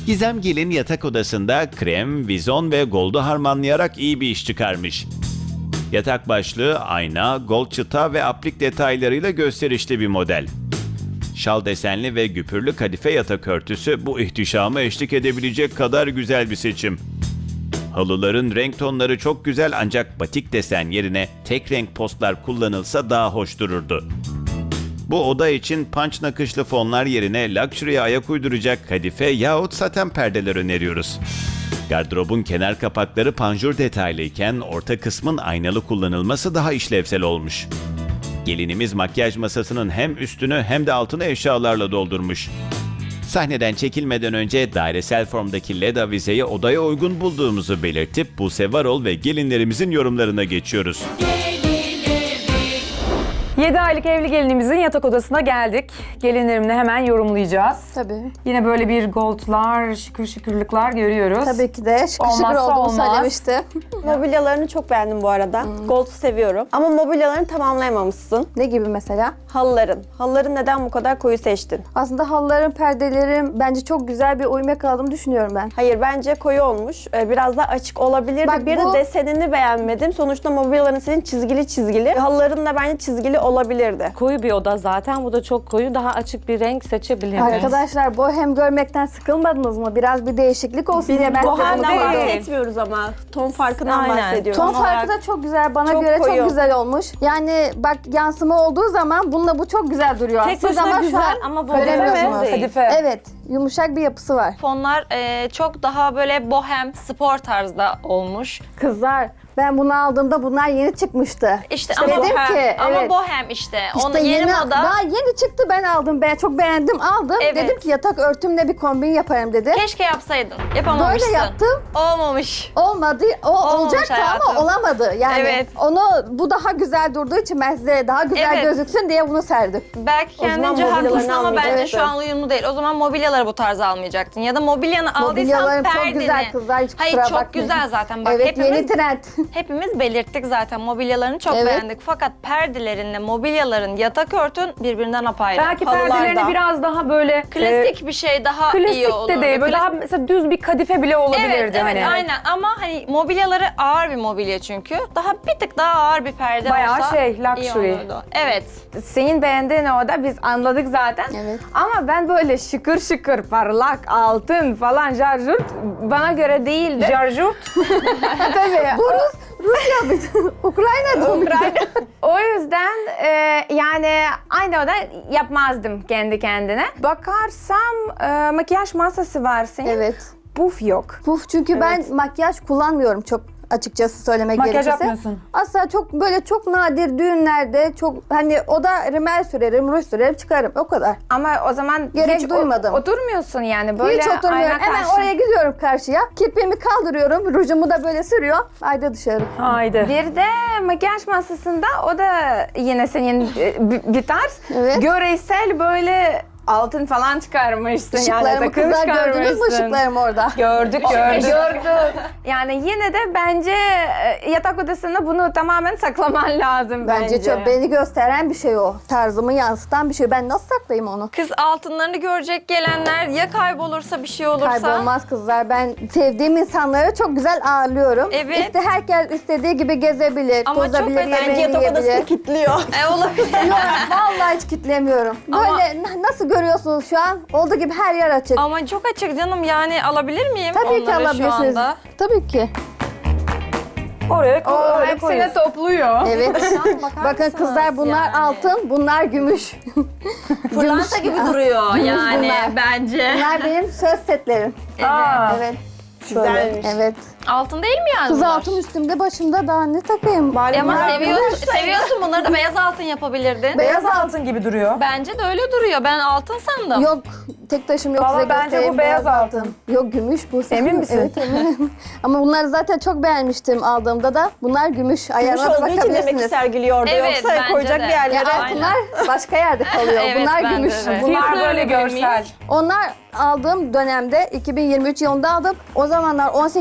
Gizem Gelin yatak odasında krem, vizon ve gold'u harmanlayarak iyi bir iş çıkarmış. Yatak başlığı, ayna, gold çıta ve aplik detaylarıyla gösterişli bir model. Şal desenli ve güpürlü kadife yatak örtüsü bu ihtişama eşlik edebilecek kadar güzel bir seçim. Halıların renk tonları çok güzel ancak batik desen yerine tek renk postlar kullanılsa daha hoş dururdu. Bu oda için punch nakışlı fonlar yerine luxury'ye ayak uyduracak kadife yahut saten perdeler öneriyoruz. Gardırobun kenar kapakları panjur detaylıyken orta kısmın aynalı kullanılması daha işlevsel olmuş. Gelinimiz makyaj masasının hem üstünü hem de altını eşyalarla doldurmuş. Sahneden çekilmeden önce dairesel formdaki led avizeyi odaya uygun bulduğumuzu belirtip Buse Varol ve gelinlerimizin yorumlarına geçiyoruz. 7 aylık evli gelinimizin yatak odasına geldik. Gelinlerimle hemen yorumlayacağız. Tabii. Yine böyle bir goldlar, şıkır şıkırlıklar görüyoruz. Tabii ki de şıkır şıkır Olmazsa olduğunu olmaz. söylemişti. Mobilyalarını çok beğendim bu arada. Gold'u seviyorum. Ama mobilyalarını tamamlayamamışsın. Ne gibi mesela? Halıların. Halıları neden bu kadar koyu seçtin? Aslında halıların, perdelerin bence çok güzel bir uyum yakaladığını düşünüyorum ben. Hayır, bence koyu olmuş. Biraz daha açık olabilirdi. Bak Bir bu- de desenini beğenmedim. Sonuçta mobilyaların senin çizgili çizgili. Halıların da bence çizgili olabilirdi. Koyu bir oda zaten. Bu da çok koyu. Daha açık bir renk seçebilirdiniz. Arkadaşlar bohem görmekten sıkılmadınız mı? Biraz bir değişiklik olsun diye ben size bunu Bohemden bahsettim. bahsetmiyoruz ama. Ton farkından Aynen. bahsediyoruz. Ton Ton farkı olarak da çok güzel. Bana çok göre koyu. çok güzel olmuş. Yani bak yansıma olduğu zaman bununla bu çok güzel duruyor. Tek Siz başına ama şu güzel an ama bu göremiyorsunuz. değil. Kadife. Evet. Yumuşak bir yapısı var. Fonlar çok daha böyle bohem, spor tarzda olmuş. Kızlar ben bunu aldığımda bunlar yeni çıkmıştı. İşte dedim ama bohem, ki, ama evet. bohem işte. Onu İşte yeni moda. daha yeni çıktı ben aldım. Ben çok beğendim aldım. Evet. Dedim ki yatak örtümle bir kombin yaparım dedim. Keşke yapsaydın. Yapamamışsın. Böyle yaptım. Olmamış. Olmadı. O Olmamış olacaktı ama hayatım. olamadı. Yani Evet. onu bu daha güzel durduğu için ben size daha güzel Evet. gözüksün diye bunu serdim. Belki zaman kendince mobilyalarını haklısın ama bence almayacaktın. şu an uyumlu değil. O zaman mobilyaları bu tarza almayacaktın. Ya da mobilyanı aldıysan Mobilyalarım çok perdeni. güzel kızlar, hiç kusura Hayır çok bakmayın. güzel zaten. Bak Evet yeni trend. hepimiz belirttik zaten mobilyalarını çok Evet. beğendik. Fakat perdelerinle mobilyaların yatak örtün birbirinden apayrı. Belki Halılarda. perdelerini biraz daha böyle Klasik bir şey daha iyi klasik olur. de değil. Böyle daha mesela düz bir kadife bile olabilirdi. Evet, evet hani. aynen ama hani mobilyaları ağır bir mobilya çünkü. Daha bir tık daha ağır bir perde Bayağı olsa şey, iyi luxury. olurdu. Evet. Senin beğendiğin oda biz anladık zaten. Evet. Ama ben böyle şıkır şıkır parlak altın falan jarjurt bana göre değildi. Jarjurt. Tabii. Bu Rusya mıydı? Ukrayna'da mıydı? O yüzden yani aynı oda yapmazdım kendi kendine. Bakarsam makyaj masası var senin. Evet. Puf yok. Puf çünkü ben makyaj kullanmıyorum çok açıkçası söylemek Makyaj gerekirse. yapmıyorsun. Asla çok böyle çok nadir düğünlerde çok hani o da rimel sürerim, ruj sürerim çıkarım o kadar. Ama o zaman Gerek hiç duymadım. Oturmuyorsun yani böyle Hiç oturmuyorum. ayna Hemen karşı. oraya gidiyorum karşıya. Kirpiğimi kaldırıyorum. Rujumu da böyle sürüyor. Haydi dışarı. Haydi. Bir de makyaj masasında o da yine senin bir tarz. Evet. Görsel böyle altın falan çıkarmışsın. Işıklarımı takım kızlar gördünüz mü çıkarmışsın. ışıklarımı orada? Gördük. Gördüm. Yani yine de bence yatak odasında bunu tamamen saklaman lazım Bence çok beni gösteren bir şey o. Tarzımı yansıtan bir şey. Ben nasıl saklayayım onu? Kız altınlarını görecek gelenler ya kaybolursa bir şey olursa. Kaybolmaz kızlar. Ben sevdiğim insanları çok güzel ağırlıyorum. Evet. İşte herkes istediği gibi gezebilir, Ama çok tozabilir, önemli. yemeğini Yatak odasını yiyebilir. kilitliyor. Olabilir. Yok vallahi hiç kitlemiyorum. Böyle Ama- nasıl görüyorsunuz şu an? Olduğu gibi her yer açık. Ama çok açık canım yani alabilir miyim Tabii ki onları şu alabilirsiniz. anda? Tabii ki. Oraya öyle Hepsini koyuyorsun. topluyor. Evet. Bakın kızlar bunlar yani? altın, bunlar gümüş. Pırlanta gibi duruyor yani bunlar. bence. Bunlar benim söz setlerim. Aa, Evet. Güzelmiş. Evet. Altın değil mi yani Kız bunlar? altın üstümde başımda daha ne takayım? Bari Ama bunlar seviyorsun bunları da beyaz altın yapabilirdin. beyaz altın gibi duruyor. Bence de öyle duruyor. Ben altın sandım. Yok, tek taşım yok. Valla size bence göstereyim, bu beyaz altın. Yok, gümüş bu. Emin misin? Evet, eminim. Ama bunları zaten çok beğenmiştim aldığımda da. Bunlar gümüş. gümüş Ayarına da olduğu için demek ki bakabilirsiniz. sergiliyordu. Evet, Yoksa bence koyacak de. bir yerlere. Ya altınlar başka yerde kalıyor. Evet, bunlar bence gümüş. de. Bunlar Fiyatı böyle öyle görsel. Onlar aldığım dönemde 2023 yılında aldım. O zamanlar 18 bin liraya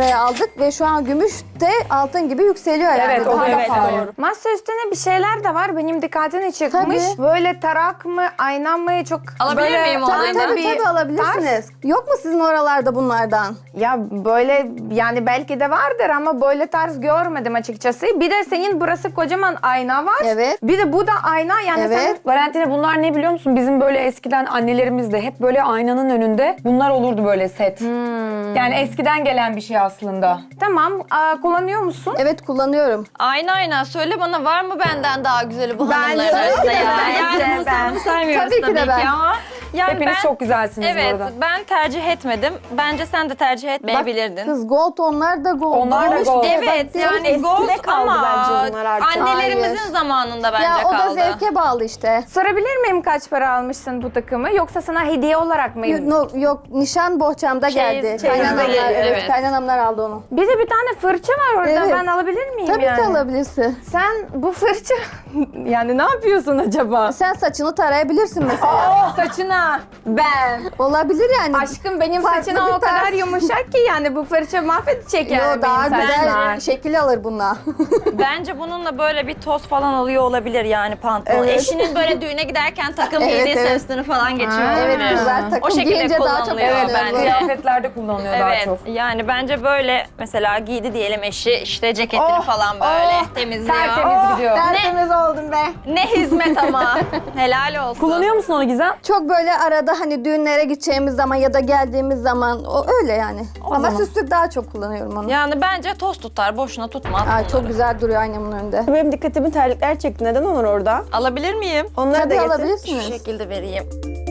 liraya aldık ve şu an gümüş de altın gibi yükseliyor yani. Evet, o da Evet, pahalı. doğru. Masa üstüne bir şeyler de var. Benim dikkatini çekmiş. Tabii. Böyle tarak mı, ayna mı çok Alabilir böyle miyim onu? Tabii Aynen. tabii alabilirsiniz. Yok mu sizin oralarda bunlardan? Ya böyle yani belki de vardır ama böyle tarz görmedim açıkçası. Bir de senin burası kocaman ayna var. Evet. Bir de bu da ayna yani Evet. Valentina bunlar ne biliyor musun? Bizim böyle eskiden annelerimiz de hep böyle aynanın önünde bunlar olurdu böyle set. Yani eskiden gelen bir şey aslında. Tamam kullanıyor musun? Evet kullanıyorum. Aynen söyle bana, var mı benden daha güzeli bu Bence hanımların de, arasında ya? bence Yani bunu ben. saymıyoruz Tabii ki de tabii ben. ki ama. Yani Hepiniz çok güzelsiniz bu Evet, arada. ben tercih etmedim. Bence sen de tercih etmeyebilirdin. Kız gold onlar da gold. Onlar da Olmuş gold. diye Evet, bak, yani eskide gold kaldı ama bence bunlar artık. annelerimizin Hayır. zamanında bence Ya o da kaldı. zevke bağlı işte. Sorabilir miyim kaç para almışsın bu takımı? Yoksa sana hediye olarak mı? Yok nişan bohçamda geldi. çeyizde Kaynanamlar, geliyor, evet, evet. kaynanamlar aldı onu. Bir de bir tane fırça var orada. Evet. Ben alabilir miyim Tabii yani? ki alabilirsin. Sen bu fırça yani ne yapıyorsun acaba? Sen saçını tarayabilirsin mesela. Saçına ben. Olabilir yani. Aşkım benim Farklı saçına bir o kadar tarz. yumuşak ki yani bu fırça mahvedecek yani Yo, daha benim güzel saçlar. şekil alır bununla. Bence bununla böyle bir toz falan alıyor olabilir yani pantolon. Evet. Eşinin böyle düğüne giderken takım Evet, giydiği evet. sesini falan geçiyor Evet olabilir. güzel O takım şekilde giyince daha çok kullanılıyor Evet, beğeniyorum. bence. kıyafetlerde kullanılıyor daha Evet, çok. yani bence böyle mesela giydi diyelim eşi, işte ceketini falan böyle temizliyor. Tertemiz gidiyor. Tertemiz oldum be. Ne hizmet ama. Helal olsun. Kullanıyor musun onu Gizem? Çok böyle arada hani düğünlere gideceğimiz zaman ya da geldiğimiz zaman o öyle yani. Ama zaman. süslük daha çok kullanıyorum onu. Yani bence toz tutar, boşuna tutmaz Ay, bunları. çok güzel duruyor aynamın önünde. Benim dikkatimi terlikler çekti. Neden onlar orada? Alabilir miyim? Onları da Tabii getir. Şu alabilirsiniz. şekilde vereyim.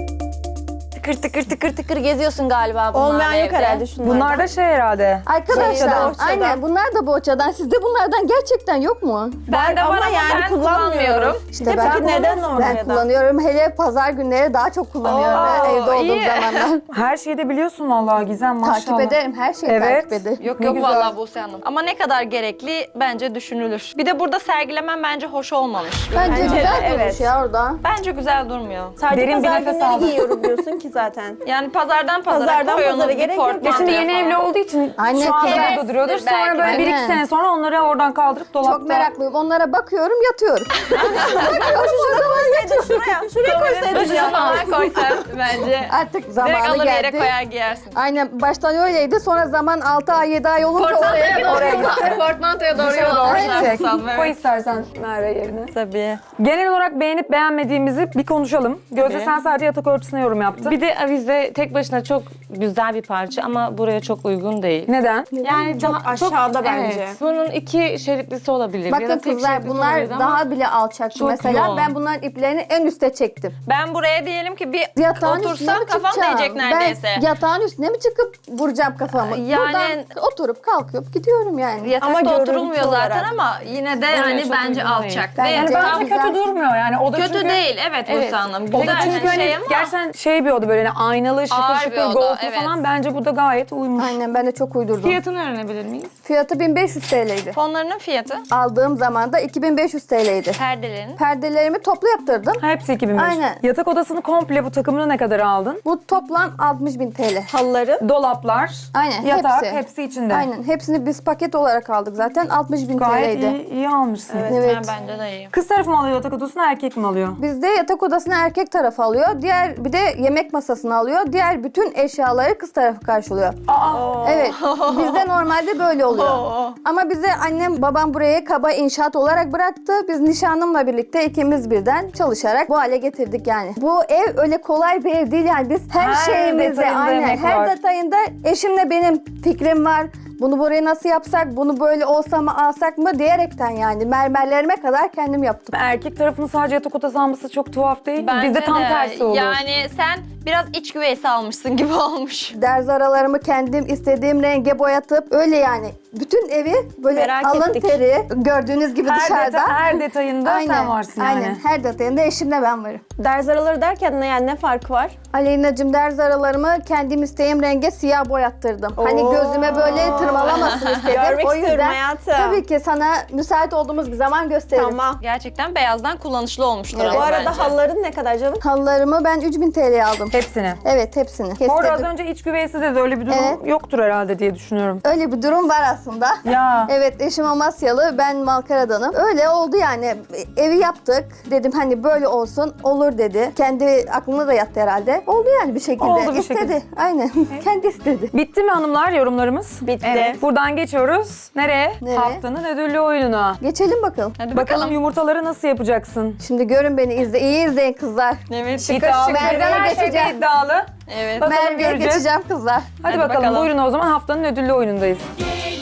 Tıkır tıkır geziyorsun galiba bunlarla Olmayan yok evde. herhalde şunlardan. Bunlar da şey herhalde. Arkadaşlar Bohçadan. aynen bunlar da bohçadan. Sizde bunlardan gerçekten yok mu? Ben de var ama yani ben kullanmıyorum. İşte Peki ben, neden ben oraya da? kullanıyorum. Hele pazar günleri daha çok kullanıyorum Oo, evde olduğum iyi. zamanlar. Her şeyi de biliyorsun vallahi Gizem maşallah. Takip ederim. Her şeyi Evet. takip ederim. Yok Ne yok güzel. vallahi Buse Hanım. Ama ne kadar gerekli bence düşünülür. Bir de burada sergilemem bence hoş olmamış. Bence güzel de, durmuş evet. ya orada. Bence güzel durmuyor. Sadece Derin bir pazar nefes günleri aldım. giyiyorum diyorsun ki zaten. Yani pazardan pazara Pazardan koyunuz pazara bir gerek yok. portmantoya Şimdi yeni falan. evli olduğu için Aynen, şu anda evet. burada duruyordur. Belki Sonra böyle de. 1-2 sene sonra onları oradan kaldırıp dolapta. Çok meraklıyım. Onlara bakıyorum, yatıyorum. bakıyorum, o zaman yatıyorum. Şuraya koysaydın Duşunu ya. falan koysan bence. Artık Direkt zamanı alır yere geldi. koyar giyersin. Aynen baştan öyleydi. Sonra zaman 6 ay 7 ay olunca oraya gitti. Portmantoya doğru Dışarı doğru gidecek. yol Koy istersen Merve yerine. Tabii. Genel olarak beğenip beğenmediğimizi bir konuşalım. Gözde Tabii. sen sadece yatak örtüsüne yorum yaptın. Bir de avize tek başına çok güzel bir parça ama buraya çok uygun değil. Neden? Yani Çok aşağıda bence. Evet, bunun 2 şeritlisi olabilir. ya Bakın da tek kızlar şeritlisi bunlar olabilir ama daha bile alçaktı çok mesela. yoğun. Ben bunların iplerini en üste çektim. Ben buraya diyelim ki bir Yatağın üstüne otursam mi kafam çıkacağım? değecek neredeyse. Ben yatağın üstüne mi çıkıp vuracağım kafamı? Yani- Buradan oturup kalkıp gidiyorum yani. Yatakta Ama görüntü oturulmuyor zaten olarak. ama yine de hani çok bence uygun değil. alçak. Bence Ve Yani Tamam, bence güzel. kötü durmuyor yani. O da kötü çünkü, değil evet Buse Hanım. O da Güzel çünkü hani şey ama gerçekten şey bir oda böyle hani aynalı şıkır Ağır bir şıkır oda, goldlu evet. falan bence bu da gayet uymuş. Aynen ben de çok uydurdum. fiyatını öğrenebilir miyiz? Fiyatı 1500 TL'ydi. fonlarının fiyatı, Aldığım zaman da 2500 TL'ydi. perdelerin. Perdelerimi toplu yaptırdım. Ha, hepsi 2005. Aynen. Yatak odasını komple bu takımını ne kadar aldın? Bu toplam 60.000 TL. Halıları. Dolaplar, Aynen yatak hepsi. hepsi içinde. Aynen hepsini biz paket olarak aldık zaten 60.000 Gayet TL'ydi. iyi almışsın. Evet. Ha, bence de iyi. Kız tarafı mı alıyor yatak odasını erkek mi alıyor? Bizde yatak odasını erkek tarafı alıyor. Diğer bir de yemek masasını alıyor. Diğer bütün eşyaları kız tarafı karşılıyor. Evet. Bizde normalde böyle oluyor. Ama bize annem babam buraya kaba inşaat olarak bıraktı. Biz nişanlımla birlikte ikimiz birden çalışarak bu hale getirdik yani. Bu ev öyle kolay bir ev değil yani. Biz her şeyimizde detayında aynen emek her var. detayında eşimle benim fikrim var. Bunu buraya nasıl yapsak, bunu böyle olsa mı alsak mı diyerekten yani mermerlerime kadar kendim yaptım. Erkek tarafının sadece yatak odası alması çok tuhaf değil mi? Bence Bizde tam de. tersi olur. Yani sen biraz iç güveysi almışsın gibi olmuş. Derz aralarımı kendim istediğim renge boyatıp öyle yani bütün evi böyle Merak alın ettik. teri gördüğünüz gibi dışarıda. Her detayında sen varsın yani. Aynen her detayında eşimle ben varım. Derz araları derken ne farkı var? Aleyna'cığım derz aralarımı kendim isteğim renge siyah boyattırdım. Hani gözüme böyle tırmalamasın istedim. Görmek O istiyorum yüzden hayatım. tabii ki sana müsait olduğumuz bir zaman gösteririm. Tamam. Gerçekten beyazdan kullanışlı olmuştur Evet. ama Bu arada bence. halıların ne kadar canım? Halılarımı ben 3000 TL aldım. Hepsini. Evet hepsini. Orada az Kestirdim. önce iç güveysi dedi. Öyle bir durum Evet. yoktur herhalde diye düşünüyorum. Öyle bir durum var aslında. Ya. Evet eşim Amasyalı, ben Malkara'danım. Öyle oldu yani. Evi yaptık. Dedim hani böyle olsun. Olur dedi. Kendi aklına da yattı herhalde. Oldu yani bir şekilde. Oldu bir İstedi. şekilde. Aynen. Kendi istedi. Bitti mi hanımlar yorumlarımız? Bitti. Evet. Buradan geçiyoruz. Nereye? Nereye? Haftanın ödüllü oyununa. Geçelim bakalım. Hadi Bakalım bakalım. yumurtaları nasıl yapacaksın? Şimdi görün beni İyi izleyin kızlar. Evet. İddialı. Merve'ye Bizden her şeyde geçeceğim. iddialı. Evet. Bakalım Merve'ye göreceğiz. geçeceğim kızlar. Hadi Hadi bakalım. bakalım. Buyurun o zaman haftanın ödüllü oyunundayız.